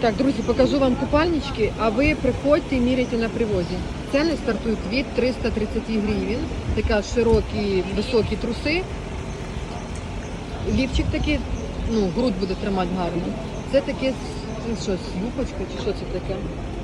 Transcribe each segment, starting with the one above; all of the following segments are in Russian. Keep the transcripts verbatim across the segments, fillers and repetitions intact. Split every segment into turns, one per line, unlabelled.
Так, друзі, покажу вам купальнички, а ви приходьте і міряйте на привозі. Ціни стартують від триста тридцять гривень. Така широкі, високі труси. Лівчик такий, ну, грудь буде тримати гарно. Це таке, це що, юбочка чи що це таке?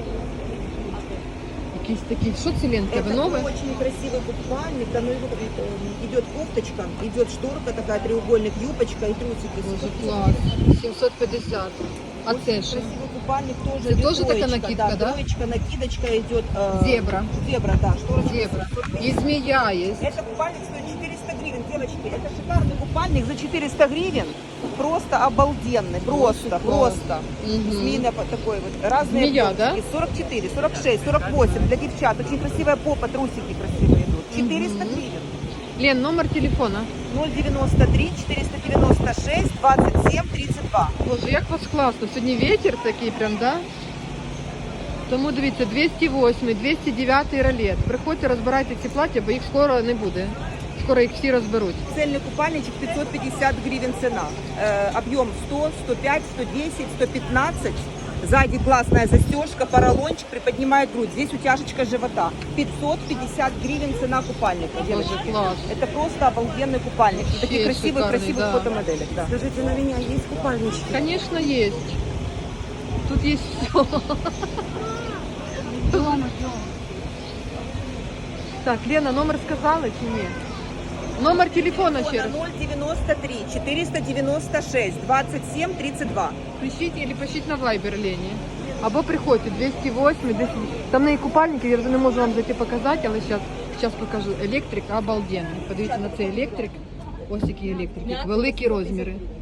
Якийсь такий, що це, Ленка, ви
Это
нове?
очень красивый купальник, там идет кофточка, идет шторка такая, треугольник, юбочка и трусики.
Боже, клас. сімсот п'ятдесят. А
Очень
це що?
красивый купальник тоже.
Это
идет
тоже такая
троечка,
накидка, да?
Троечка, накидочка идет. Э,
Зебра.
Зебра, да. Шторочка.
Зебра. І змія є.
Это купальник стоит четыреста гривен, девочки. Это шикарный купальник за четыреста гривен. Просто обалденный, просто,
Очень
просто.
Мгм.
Змеиный по- такой вот. Разные
Змея, да?
объемчики. сорок четыре, сорок шесть, сорок восемь для девчат. Очень красивая попа, трусики красивые идут. четыреста
Мгм.
гривен.
Лен, номер телефона.
ноль девяносто три четыреста девяносто шесть двадцать семь тридцать два.
Боже, як вас класно. Сьогодні вітер такий прям, да? Тому дивіться, двісті восьмий, двісті дев'ятий ролет. Приходьте, розбирайте ці плаття, бо їх скоро не буде. Скоро їх всі розберуть.
Цельный купальничек пятьсот пятьдесят гривен цена. Э, объем сто, сто пять, сто десять, сто пятнадцать. Сзади классная застежка, поролончик, приподнимает грудь. Здесь утяжечка живота. пятьсот пятьдесят гривен цена купальника, девочки.
Боже, класс.
Это просто обалденный купальник. На таких
Вообще
красивых,
шикарный,
красивых
да.
фотомоделях. Да. Скажите, на меня есть купальнички?
Конечно, есть. Тут есть все. Так, Лена, номер сказала чи ні? Номер телефона ще раз.
ноль девяносто три четыреста девяносто шесть двадцать семь тридцать два.
Пишіть або пишіть на Viber Лені. Або приходьте, двісті восьмий, двісті... Там в неї купальники, я вже не можу вам зайти показати, але зараз, зараз покажу. Електрик обалденний. Подивіться на цей електрик. Ось який електрик, великі розміри.